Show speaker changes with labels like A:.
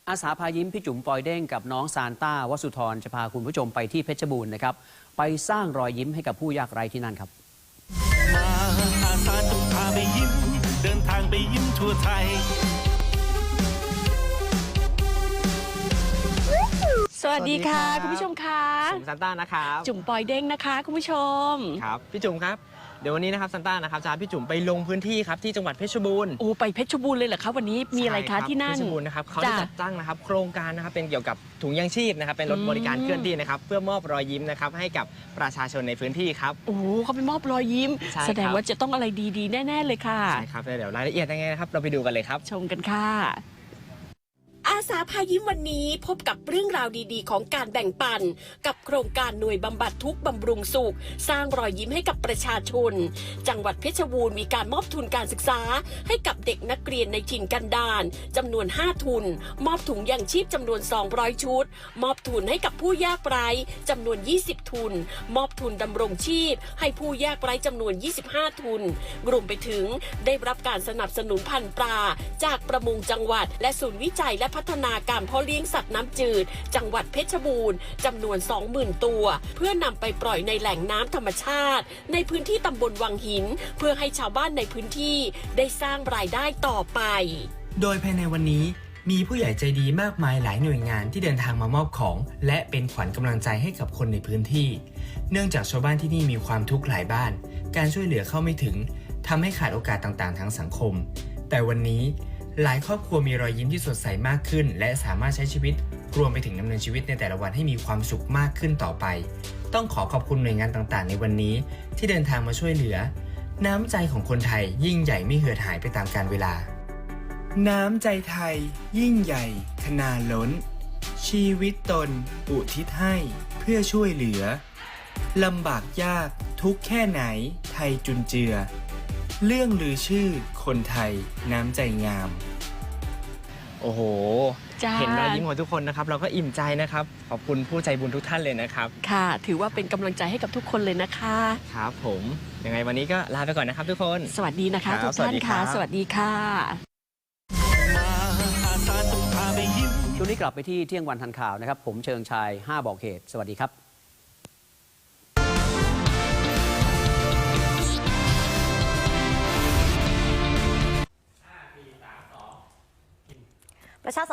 A: อาสาพายิ้มพี่จุ๋มปอยเด้งกับน้องซานต้าวสุธรจะพาคุณผู้ชมไปที่เพชรบูรณ์นะครับไปสร้างรอยยิ้มให้กับผู้ยากไร้ที่นั่นครับ
B: มาอาสาจะพาไปยิ้มเดินทางไปยิ้มทั่วไทย
C: สวัสดีค่ะคุณผู้ชมค่ะ
D: จุ๋มซานต้านะครับ
C: จุ๋มปอยเด้งนะคะคุณผู้ชม
D: ครับพี่จุ๋มครับเดี๋ยววันนี้นะครับซานต้านะครับจะพาพี่จุ๋มไปลงพื้นที่ครับที่จังหวัดเพชรบูรณ์
C: โอ้ไปเพชรบูรณ์เลยเหรอคะวันนี้มีอะไรคะที่นั่น
D: เพชรบูรณ์นะครับเขาได้จัดตั้งนะครับโครงการนะครับเป็นเกี่ยวกับถุงยังชีพนะครับเป็นรถบริการเคลื่อนที่นะครับเพื่อมอบรอยยิ้มนะครับให้กับประชาชนในพื้นที่ครับ
C: โอ้เขาไปมอบรอยยิ้มแสดงว่าจะต้องอะไรดีๆแน่ๆเลยค่ะ
D: ใช่ครับเดี๋ยวรายละเอียดยังไงนะครับเราไปดูกันเลยครับ
C: ชมกันค่ะ
E: อาสาพายิ้มวันนี้พบกับเรื่องราวดีๆของการแบ่งปันกับโครงการหน่วยบำบัดทุกข์บำรุงสุขสร้างรอยยิ้มให้กับประชาชนจังหวัดเพชรบูรณ์มีการมอบทุนการศึกษาให้กับเด็กนักเรียนในถิ่นกันดารจำนวน5ทุนมอบถุงยางชีพจำนวน200ชุดมอบทุนให้กับผู้ยากไร้จำนวน20ทุนมอบทุนดำรงชีพให้ผู้ยากไร้จำนวน25ทุนรวมไปถึงได้รับการสนับสนุนพันธุ์ปลาจากประมงจังหวัดและศูนย์วิจัยและพัฒนาการเพาะเลี้ยงสัตว์น้ำจืดจังหวัดเพชรบูรณ์จำนวน 20,000 ตัวเพื่อนำไปปล่อยในแหล่งน้ำธรรมชาติในพื้นที่ตำบลวังหินเพื่อให้ชาวบ้านในพื้นที่ได้สร้างรายได้ต่อไป
F: โดยภายในวันนี้มีผู้ใหญ่ใจดีมากมายหลายหน่วยงานที่เดินทางมามอบของและเป็นขวัญกำลังใจให้กับคนในพื้นที่เนื่องจากชาวบ้านที่นี่มีความทุกข์หลายบ้านการช่วยเหลือเข้าไม่ถึงทำให้ขาดโอกาสต่างๆทางสังคมแต่วันนี้หลายครอบครัวมีรอยยิ้มที่สดใสมากขึ้นและสามารถใช้ชีวิตรวมไปถึงดำเนินชีวิตในแต่ละวันให้มีความสุขมากขึ้นต่อไปต้องขอบคุณหน่วยงานต่างๆในวันนี้ที่เดินทางมาช่วยเหลือน้ำใจของคนไทยยิ่งใหญ่ไม่เหือดหายไปตามกาลเวลาน้ำใจไทยยิ่งใหญ่ขนาล้นชีวิตตนอุทิศให้เพื่อช่วยเหลือลำบากยากทุกแค่ไหนไทยจุนเจือเรื่องลือชื่อคนไทยน้ำใจงาม
D: โอ้โหเห็นรอยยิ้มของทุกคนนะครับเราก็อิ่มใจนะครับขอบคุณผู้ใจบุญทุกท่านเลยนะครับ
C: ค่ะถือว่าเป็นกำลังใจให้กับทุกคนเลยนะคะ
D: ครับผมยังไงวันนี้ก็ลาไปก่อนนะครับทุกคน
C: สวัสดีนะคะทุกท่านค่ะสวัสดีค่ะ
A: ช่วงนี้กลับไปที่เที่ยงวันทันข่าวนะครับผมเชิงชาย5บอกเหตุสวัสดีครับ
G: ประชา